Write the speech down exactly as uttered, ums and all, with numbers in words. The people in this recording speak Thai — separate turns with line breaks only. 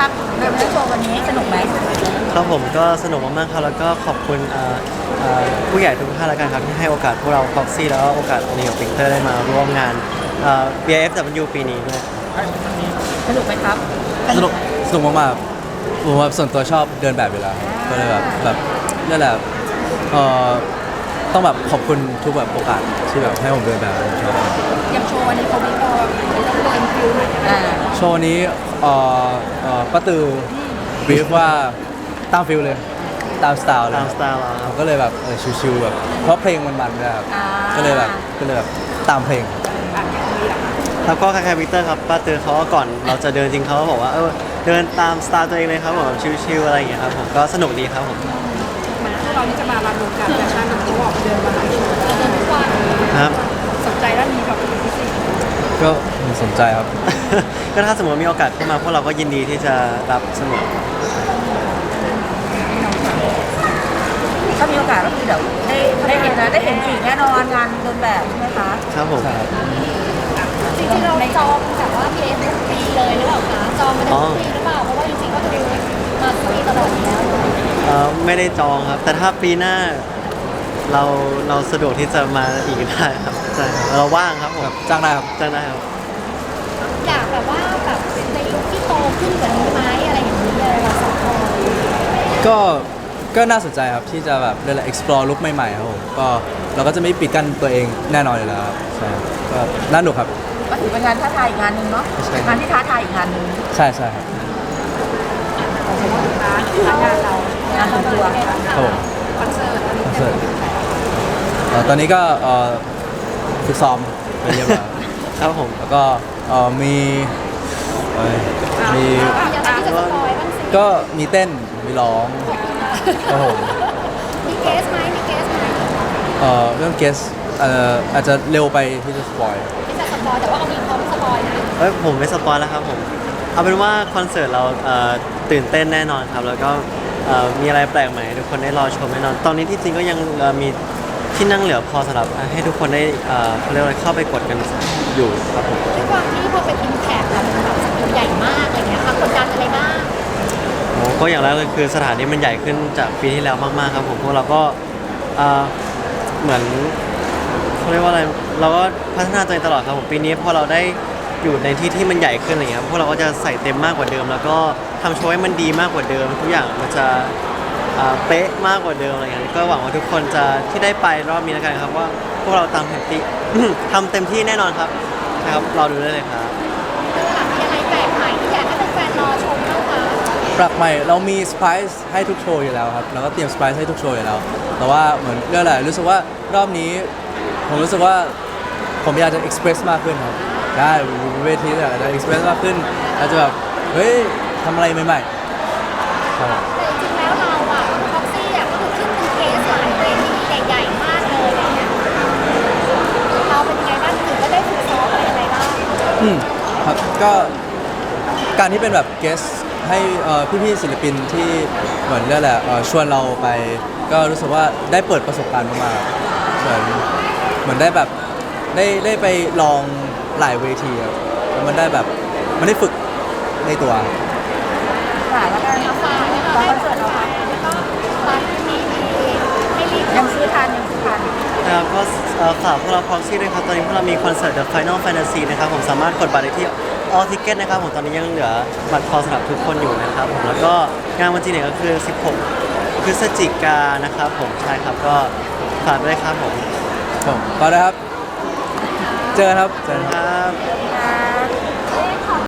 ครับเรื่องโชว์วันนี้สนุกไหม
ครับผมก็สนุกมากๆครับแล้วก็ขอบคุณเอ่อเอ่อผู้ใหญ่ทุกท่านแล้วกันครับที่ให้โอกาสพวกเรา Proxy แล้วก็โอกาสนิวปิกเตอร์ได้มาร่วมงานเอ่อ บี เอ เอฟ ดับเบิลยู ปีนี้ด้วย
สนุกไหมครับ
สนุกสนุกมากๆผมว่าส่วนตัวชอบเดินแบบอยู่แล้วก็เลยแบบแบบนั่นแหละเอ่อต้องแบบขอบคุณทุกแบบโอกาสที่แบบให้ผมเดินแบบผมชอบ
ยังโชว์วันนี้เขาไม่พอเป็นฟิวอ่า
โชว์นี้เอ่อเอ่อป้าตือบีฟว่าตามฟิลเลยตามสไตล์เลย
ตามสไตล์เราครับ
ก็เลยแบบเออชิวๆแบบเพราะเพลงมันมันด้วยครับก็เลยแบบก็เลยแบบตามเพลง
แล้วก็คล้ายๆวิกเตอร์ครับป้าเตือนเขาก็ก่อนเราจะเดินจริงเขาก็บอกว่าเออเดินตามสไตล์ตัวเองเลยครับผมแบบชิลๆอะไรอย่างเงี้ยครับผมก็สนุกดีครับผม
พวกเรานี่จะมารันวงการแฟชั่นกันทุกวันเดินมาหลายโชว์เดินทุกวัน
ครับ
สนใจด้านนี้แบบเป็นพิเศษ
ก็สนใจครับ
ก็ถ้าสมมติมีโอกาสเข้ามาพวกเราก็ยินดีที่จะรับเสมอ
ถ้ามีโอกาสก็คือเดี๋ยวได้ได้เห็นนะได้เห็นอีกแน่นอนงานเดินแบบใช่ไหมคะ
ครับผม
จริงๆเราจองแบบว่าเพจทุกปีเลยหรือเปล่าคะจองมาได้ทุกปีหรือเปล่าเพราะว่าจริงๆก็จะดูมาทุกปีตลอดอยู่แล้ว
เอ่อไม่ได้จองครับ แต่ถ้าปีหน้าเราเราสะดวกที่จะมาอีกได้ครับใช่ครับเราว่างครับผม
แบบจ้างได้ครับ
จ้างได้ครับ
อยากแบบว่าแบบในลุคที่โตขึ้นกว่านี้ไหมอะไรอย่างนี้เลยเราสองคน
ก็ก็น่าสนใจครับที่จะแบบเรียกอะไร explore ลุคใหม่ๆครับผมก็เราก็จะไม่ปิดกั้นตัวเองแน่นอนอยู่แล้วครับใช่ครับก็น่าหนุกครับ
ก็ถือเป็นงานท้าทายอีกงานหนึ่งเนาะ
ใช่
งานที่ท้าทายอีกงานหนึ่ง
ใช่ใช่ครับ
งานเรางานส่วนตัว
ครับผม
คอนเสิร์ต
คอนเสิร์ตเอ่อตอนนี้ก็เอ่อฝึกซ้อมไปเรียบร้อย
ครับผม
แล้วก็เอ่อมีเอ่อมี
อยากที่จะสปอยบ้างสิ
ก็มีเต้นมีร้องครับผม
มีเกสไหมมีเกสไหม
เอ่อเรื่องเกสเอ่ออาจจะเร็วไปที่จะสปอย
ที่จะสปอยแต่ว่าเอามีพร้อมสปอยนะ
เอ้ยผมไม่สปอยแล้วครับผมเอาเป็นว่าคอนเสิร์ตเราเอ่อตื่นเต้นแน่นอนครับ แล้วก็เอ่อมีอะไรแปลกใหม่ให้ทุกคนได้รอชมแน่นอน ตอนนี้ที่จริงก็ยังเอ่อมีที่นั่งเหลือพอสำหรับให้ทุกคนได้เอ่อเขาเรียกว่าเข้าไปกดกันอยู่ครับผม
ด้วยความที่พอเป็นอิมแพคแล้วมันแบบสกิลใหญ่มากอะไรเงี้ยค่ะกดดันอะไรบ้าง
โอ้ก็อย่างแรกเลยคือสถานที่มันใหญ่ขึ้นจากปีที่แล้วมากๆครับผมพวกเราก็เอ่อเหมือนเขาเรียกว่าอะไรเราก็พัฒนาตัวเองตลอดครับผมปีนี้พอเราได้อยู่ในที่ที่มันใหญ่ขึ้นอะไรเงี้ยครับพวกเราก็จะใส่เต็มมากกว่าเดิม แล้วก็ทำโชว์ให้มันดีมากกว่าเดิม ทุกอย่างมันจะเอ่อเป๊ะมากกว่าเดิมอะไรเงี้ยก็หวังว่าทุกคนจะที่ได้ไปรอบนี้แล้วกันครับว่าพวกเราตามเต็มที่ ทำเต็มที่แน่นอนครับนะครับรอดูได้เลยครับ
เรื่องหลังมีอะไรแปลกใหม่ที่อยากให้แฟนๆรอชมบ้างคะ
ปรับใหม่เรามีเซอร์ไพรส์ให้ทุกโชว์อยู่แล้วครับเราก็เตรียมเซอร์ไพรส์ให้ทุกโชว์อยู่แล้ว แต่ว่าเหมือนเรื่องอะไรรู้สึกว่ารอบนี้ ผมรู้สึกว่าผมอยากจะเอ็กซ์เพรสมากขึ้นครับได้เวทีเนี่ยอาจจะเอ็กซ์เพรสมากขึ้นอาจจะแบบเฮ้ยทำอะไรใหม่ๆครับ
แต่จริงๆแล้วเราอะท็อกซี่อะก็คือขึ้นเป็นเคสหลายเวทีใหญ่ๆมากเลยอะไรเงี้ยเราเป็นยังไงบ้างถึงก็ได้ฝึกซ้อมอะไรยังไงบ้าง
อืมครับก็การที่เป็นแบบเกสให้เอ่อพี่ๆศิลปินที่เหมือนเรียกแหละไรเอ่อชวนเราไป ก็รู้สึกว่าได้เปิดประสบการณ์มากๆเหมือนเหมือนได้แบบได้ได้ไปลองหลายเวทีครับแล้วมันได้แบบมันได้ฝึกในตัว
ค่ะแล้วกัน
เอาฝากให้เรา
ตอน
ให้
คอนเสิร์ตเราค่ะ
แล้วก็บัตรที่มีให้รีบ
ยังซื้อทันยังซื้อทัน
นะครับก็เอ่อฝากพวกเรา Proxy ด้วยครับตอนนี้พวกเรามีคอนเสิร์ต The Final Fantasy นะครับผมสามารถกดบัตรได้ที่ All Ticket นะครับผมตอนนี้ยังเหลือบัตรพอสำหรับทุกคนอยู่นะครับผมแล้วก็งานวันจริงเนี่ยก็คือ สิบหก พฤศจิกายนนะครับผมใช่ครับก็ฝากด้วยครับผม
ผมก็ได้ครับ เจอกันครับเจอกันครับ
ครับ